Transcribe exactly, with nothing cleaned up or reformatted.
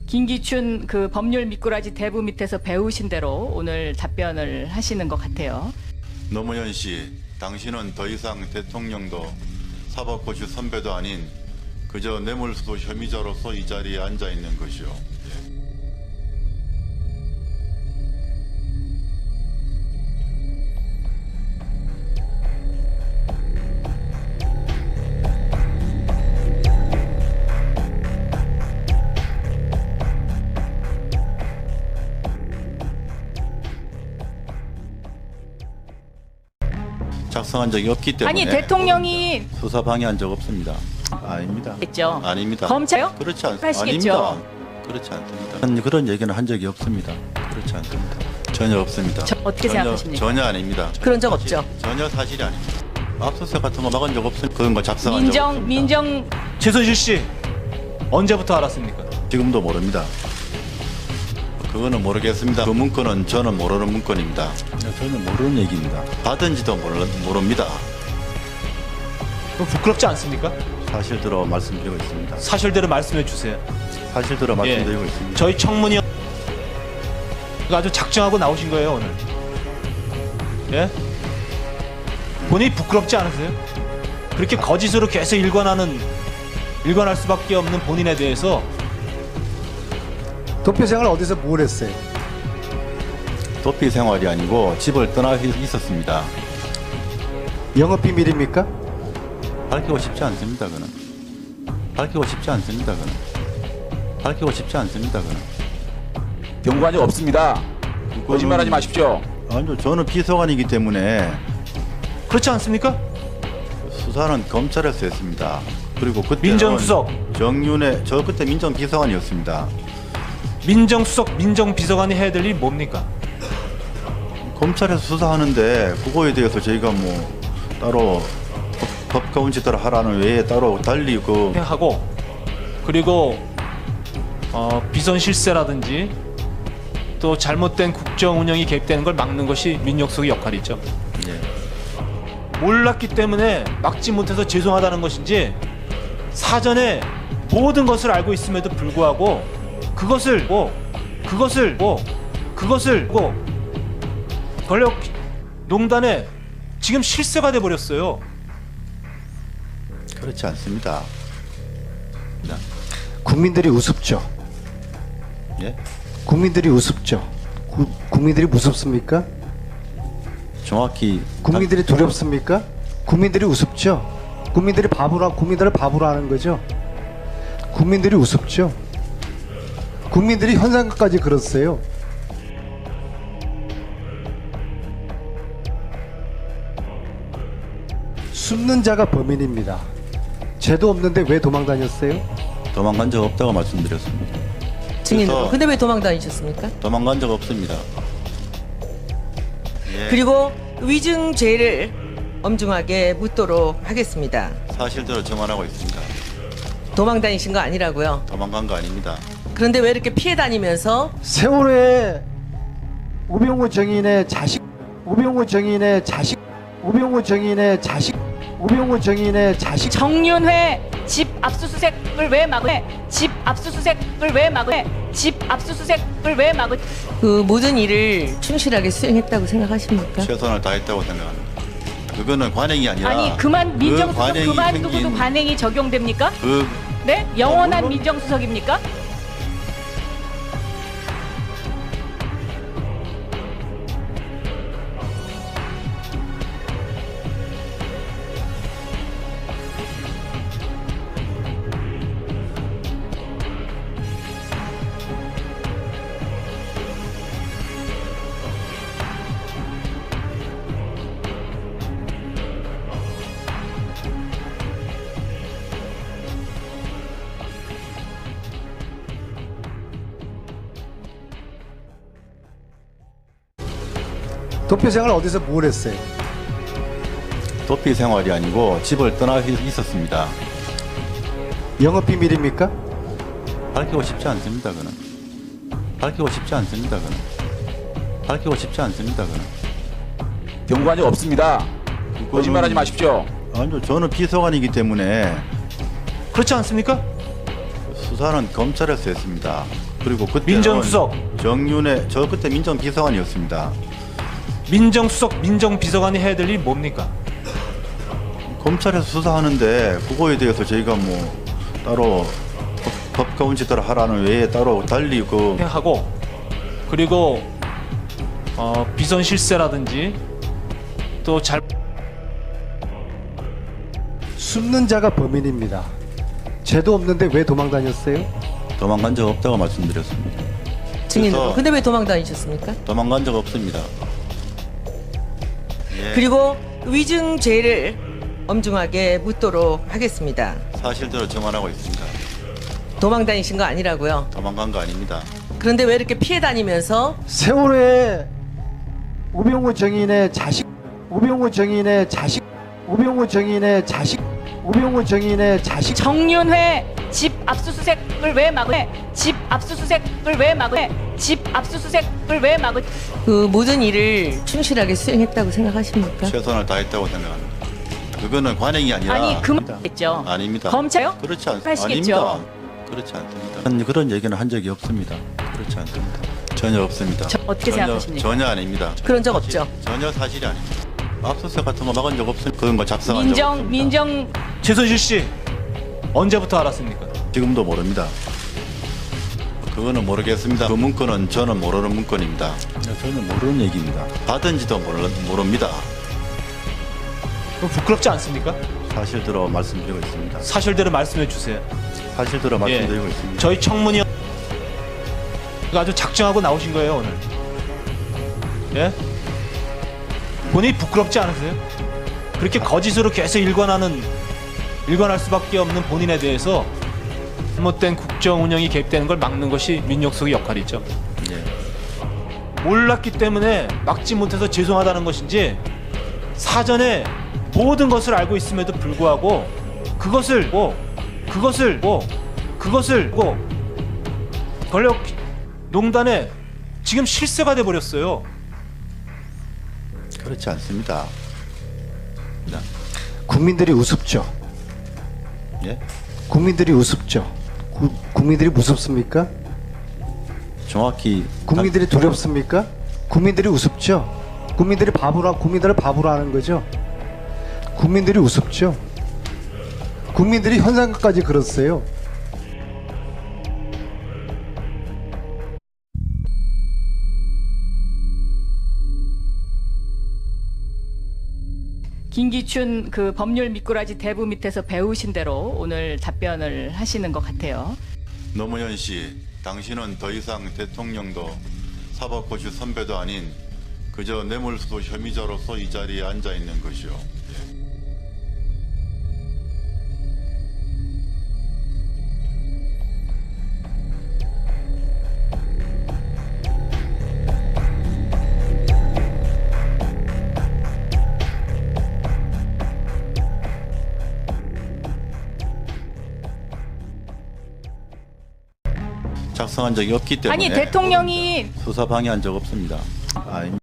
김기춘 그 법률 미꾸라지 대부 밑에서 배우신 대로 오늘 답변을 하시는 것 같아요. 노무현 씨, 당신은 더 이상 대통령도 사법고시 선배도 아닌 그저 뇌물수수 혐의자로서 이 자리에 앉아 있는 것이요. 작성한 적이 없기 때문에 아니 대통령이 수사 방해한 적 없습니다. 아닙니다. 했죠. 아닙니다. 검찰요? 그렇지 않, 하시겠죠. 아닙니다. 그렇지 않습니다. 그런- 그런 얘기는 한 적이 없습니다. 그렇지 않습니다. 전혀 없습니다. 저- 어떻게 전혀, 생각하십니까? 전혀 아닙니다. 그런 적 없죠. 전혀 사실이 아닙니다. 압수수색 같은 거 막은 적 없습니다. 그런 거 작성한 적 민정 없습니다. 민정 최순실 씨 언제부터 알았습니까? 지금도 모릅니다. 그거는 모르겠습니다. 그 문건은 저는 모르는 문건입니다. 저는 모르는 얘기입니다. 받은지도 모르, 모릅니다. 그럼 부끄럽지 않습니까? 사실대로 말씀드리고 있습니다. 사실대로 말씀해 주세요. 사실대로 말씀드리고 있습니다. 저희 청문위 아주 작정하고 나오신 거예요 오늘. 예? 본인이 부끄럽지 않으세요? 그렇게 거짓으로 계속 일관하는 일관할 수밖에 없는 본인에 대해서 도표 생활 어디서 뭘 했어요? 도피 생활이 아니고 집을 떠나 있었습니다. 영업 비밀입니까? 밝히고 싶지 않습니다. 그는 밝히고 싶지 않습니다. 그는 밝히고 싶지 않습니다. 그는 경고한 적 없습니다. 거짓말하지 마십시오. 아니요, 저는 비서관이기 때문에 그렇지 않습니까? 수사는 검찰에서 했습니다. 그리고 그때 민정수석. 정윤회 저 그때 민정비서관이었습니다. 민정수석, 민정비서관이 해야 될 일이 뭡니까? 검찰에서 수사하는데 그거에 대해서 저희가 뭐 따로 법, 법 가운지대로 하라는 외에 따로 달리 그 하고 그리고 어, 비선 실세라든지 또 잘못된 국정 운영이 개입되는 걸 막는 것이 민정수석의 역할이죠. 예. 몰랐기 때문에 막지 못해서 죄송하다는 것인지 사전에 모든 것을 알고 있음에도 불구하고 그것을 뭐 그것을 뭐 그것을 뭐 권력 농단에 지금 실세가 돼 버렸어요. 그렇지 않습니다. 국민들이 우습죠. 예? 국민들이 우습죠. 구, 국민들이 무섭습니까? 정확히 국민들이 두렵습니까? 국민들이 우습죠. 국민들이 바보라 국민들을 바보로 하는 거죠. 국민들이 우습죠. 국민들이 현상까지 그렇어요. 숨는 자가 범인입니다. 죄도 없는데 왜 도망 다녔어요? 도망간 적 없다고 말씀드렸습니다. 증인으로. 그래서- 근데 왜 도망 다니셨습니까? 도망간 적 없습니다. 예, 그리고 위증죄를 엄중하게 묻도록 하겠습니다. 사실대로 정언하고 있습니다. 도망 다니신 거 아니라고요. 도망간 거 아닙니다. 그런데 왜 이렇게 피해 다니면서 세월호에 우병우 정인의 자식, 우병우 정인의 자식, 우병우 정인의 자식, 우병우 정인의 자식. 정윤회 집 압수수색을 왜 막으? 집 압수수색을 왜 막으? 집 압수수색을 왜 막으? 그 모든 일을 충실하게 수행했다고 생각하십니까? 최선을 다했다고 생각합니다. 그거는 관행이 아니라 아니 그만 민정수석 관행이 그만두고도 생긴 관행이 적용됩니까? 그 네? 영원한 어, 물론- 민정수석입니까? 도표 생활 어디서 뭘 했어요? 도피 생활이 아니고 집을 떠나 있었습니다. 영업 비밀입니까? 밝히고 싶지 않습니다. 그는 밝히고 싶지 않습니다. 그는 밝히고 싶지 않습니다. 그는 경고한 적 없습니다. 거짓말하지 마십시오. 아니요, 저는 비서관이기 때문에 그렇지 않습니까? 수사는 검찰에서 했습니다. 그리고 그때 민정수석. 정윤회 저 그때 민정비서관이었습니다. 민정수석, 민정비서관이 해야 될 일이 뭡니까? 검찰에서 수사하는데 그거에 대해서 저희가 뭐 따로 법- 법과 원칙대로 하라는 외에 따로 달리 그 하고 그리고 어, 비선 실세라든지 또 잘 숨는 자가 범인입니다. 죄도 없는데 왜 도망 다녔어요? 도망간 적 없다고 말씀드렸습니다. 증인으로. 그래서- 근데 왜 도망 다니셨습니까? 도망간 적 없습니다. 예, 그리고 위증죄를 엄중하게 묻도록 하겠습니다. 사실대로 정언하고 있습니다. 도망 다니신 거 아니라고요. 도망간 거 아닙니다. 그런데 왜 이렇게 피해 다니면서 세월호에 우병우 정인의 자식, 우병우 정인의 자식, 우병우 정인의 자식, 우병우 정인의 자식. 정윤회 집 압수수색을 왜 막으? 집 압수수색을 왜 막으? 집 압수수색을 왜 막으? 그 모든 일을 충실하게 수행했다고 생각하십니까? 최선을 다했다고 생각합니다. 그거는 관행이 아니라 아니 그만했죠. 아닙니다. 검찰요? 그렇지 않, 하시겠죠. 아닙니다. 그렇지 않습니다. 그런- 그런 얘기는 한 적이 없습니다. 그렇지 않습니다. 전혀 없습니다. 저- 어떻게 전혀, 생각하십니까? 전혀 아닙니다. 그런 적 사실- 없죠. 전혀 사실이 아닙니다. 압수수색 같은 거 막은 적 없어요. 그런 거 작성한 적 민정 없습니다. 민정 최순실 씨 언제부터 알았습니까? 지금도 모릅니다. 그거는 모르겠습니다. 그 문건은 저는 모르는 문건입니다. 저는 모르는 얘기입니다. 받은지도 모르, 모릅니다. 그럼 부끄럽지 않습니까? 사실대로 말씀드리고 있습니다. 사실대로 말씀해 주세요. 사실대로 말씀드리고 예. 있습니다. 저희 청문위 아주 작정하고 나오신 거예요 오늘. 예? 본인이 부끄럽지 않으세요? 그렇게 거짓으로 계속 일관하는 일관할 수밖에 없는 본인에 대해서 잘못된 국정 운영이 개입되는 걸 막는 것이 민정수석의 역할이죠. 예. 몰랐기 때문에 막지 못해서 죄송하다는 것인지 사전에 모든 것을 알고 있음에도 불구하고 그것을 뭐 그것을 뭐 그것을 뭐 권력 농단에 지금 실세가 돼 버렸어요. 그렇지 않습니다. 국민들이 우습죠. 예? 국민들이 우습죠. 구, 국민들이 무섭습니까? 정확히 국민들이 두렵습니까? 국민들이 우습죠. 국민들이 바보라, 국민들을 바보로 하는 거죠. 국민들이 우습죠. 국민들이 현상까지 그렇어요. 김기춘 그 법률 미꾸라지 대부 밑에서 배우신 대로 오늘 답변을 하시는 것 같아요. 노무현 씨, 당신은 더 이상 대통령도 사법고시 선배도 아닌 그저 뇌물수도 혐의자로서 이 자리에 앉아 있는 것이요. 예. 작성한 적이 없기 때문에 아니 대통령이 수사 방해한 적 없습니다. 아,